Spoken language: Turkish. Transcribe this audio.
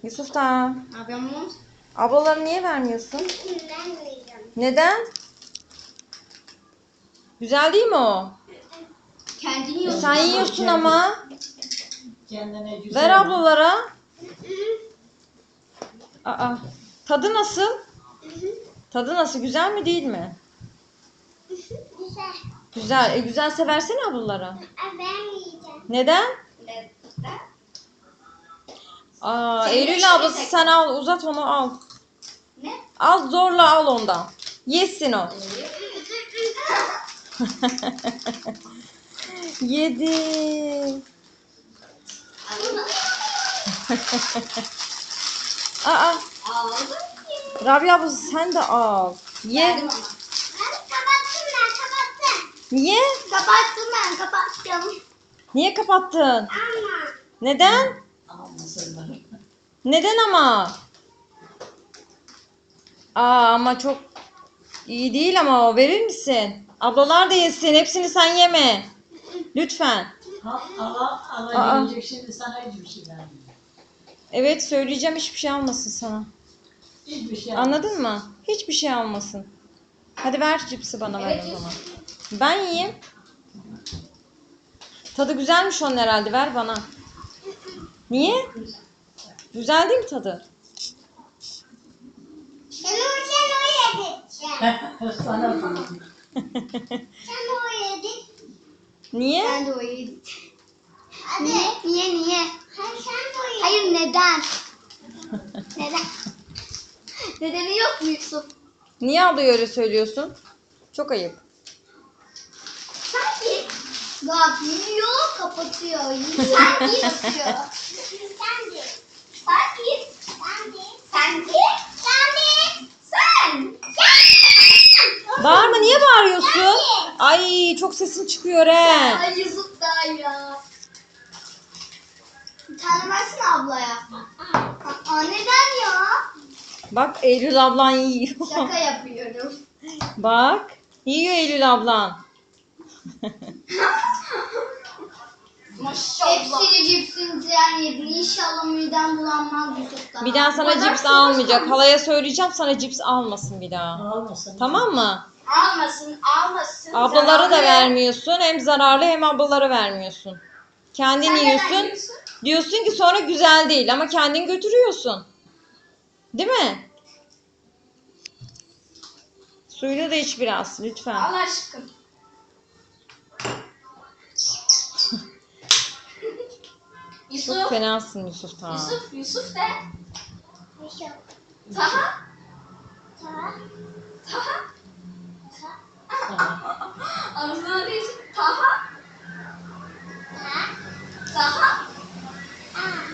Yusuf da. Ablamın. Ablaları niye vermiyorsun? Ben yiyeceğim. Neden? Güzel değil mi o? Kendini yiyorsun. Sen yiyorsun ama. Kendine güzel. Ver ablalara. Aa, tadı nasıl? Tadı nasıl? Güzel mi değil mi? Güzel. Güzel. Güzelse versene ablalara. Ben yiyeceğim. Neden? Eylül ablası sen al. Uzat onu al. Ne? Al zorla al ondan. Yesin o. Yedi. Aa, Aldım. Rabia ablası sen de al. Ye. Verdim ama. Ben kapattım. Niye? Kapattım. Niye kapattın? Ama. Neden? Almasınlar. Neden ama? Ama çok iyi değil ama o. Verir misin? Ablalar da yesin. Hepsini sen yeme. Lütfen. Ala gelecek şimdi sana hiçbir şey vermiyor. Evet söyleyeceğim hiçbir şey almasın sana. Hiçbir şey Anladın mı? Hiçbir şey almasın. Hadi ver cipsi bana ver Evet, o zaman. Ben yiyeyim. Tadı güzelmiş onun herhalde. Ver bana. Niye? Güzel değil mi tadı? Sen o yedin. Sana bak. Sen o yedin. Niye? Ben de o yedim. Hadi. Niye? Sen de o yedin. Hayır neden? Neden? Nedeni yok mu Yusuf? Niye ablaya öyle söylüyorsun? Çok ayıp. Sanki. Bak yiyor kapatıyor. Sanki yapıyor. Sen de. Sanki. Sen de. Sanki. Sen de. Sen. Bağırma niye bağırıyorsun? Ay çok sesin çıkıyor he. Ay Yusuf da ya. Bir tane versene ablaya. Neden ya? Bak Eylül ablan yiyor. Şaka yapıyorum. Bak yiyor Eylül ablan. Maşallah. Hepsini cipsini sen yedin. İnşallah midem bulanmaz Yusuf'tan. Bir daha sana cips almayacak. Halaya söyleyeceğim sana cips almasın bir daha. Almasın. Tamam mı? Almasın. Ablaları da Zararlı. vermiyorsun. Hem zararlı hem ablaları vermiyorsun. Kendin Sen neden yiyorsun. yiyorsun? Diyorsun ki sonra güzel değil ama kendin götürüyorsun. Değil mi? Suyunu da iç biraz lütfen. Allah aşkına. Çok Yusuf. fenasın Yusuf tamam. Yusuf de. Yusuf. Taha. Tamam. Taha. Tamam. Ağzına değil. Taha.